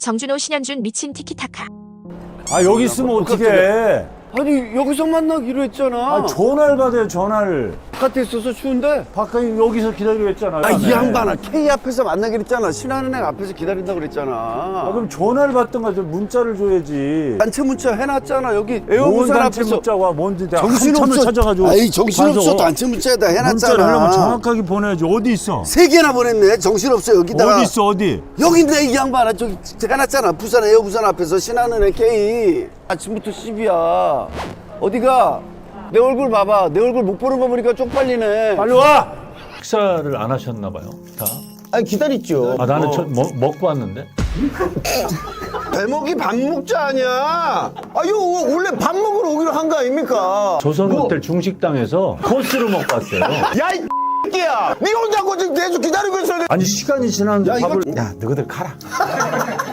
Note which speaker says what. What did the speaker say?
Speaker 1: 정준호 신현준 미친 티키타카.
Speaker 2: 아 여기 있으면 어떻게 해?
Speaker 3: 아니 여기서 만나기로 했잖아.
Speaker 2: 아 전화를 받아요 전화를.
Speaker 3: 바깥에 있어서 추운데.
Speaker 2: 바깥에 여기서 기다리고 했잖아요.
Speaker 3: 아 이 양반아 K 앞에서 만나기로 했잖아. 신한은행 앞에서 기다린다고 그랬잖아.
Speaker 2: 아 그럼 전화를 받든가 좀 문자를 줘야지.
Speaker 3: 단체 문자 해놨잖아. 여기
Speaker 2: 뭔
Speaker 3: 에어부산
Speaker 2: 단체
Speaker 3: 앞에서.
Speaker 2: 문자가 뭔지 내가
Speaker 3: 정신없어.
Speaker 2: 한참을 찾아가지고.
Speaker 3: 아이 정신없어.
Speaker 2: 가서
Speaker 3: 단체 문자에다
Speaker 2: 문자를 하려면
Speaker 3: 해놨잖아.
Speaker 2: 정확하게 보내야지. 어디 있어?
Speaker 3: 3개나 보냈네. 정신없어. 여기다가.
Speaker 2: 어디 있어 어디?
Speaker 3: 여기 있네 이 양반아. 저기 해놨잖아. 부산 에어부산 앞에서 신한은행 K. 아침부터 시비야. 어디가? 내 얼굴 봐봐. 내 얼굴 못 보는 거 보니까 쪽팔리네.
Speaker 2: 빨리 와. 식사를 안 하셨나 봐요. 다.
Speaker 3: 아니 기다렸죠.
Speaker 2: 아 나는 먹고 왔는데.
Speaker 3: 대목이 밥 먹자 아니야. 아 이거 원래 밥 먹으러 오기로 한 거 아닙니까?
Speaker 2: 조선호텔 중식당에서 코스로 먹고 왔어요.
Speaker 3: 야이 X야. 니 혼자 지금 계속 기다리고 있어야 돼.
Speaker 2: 아니 시간이 지났는데
Speaker 3: 야, 이거-
Speaker 2: 밥을. 야 너희들 가라.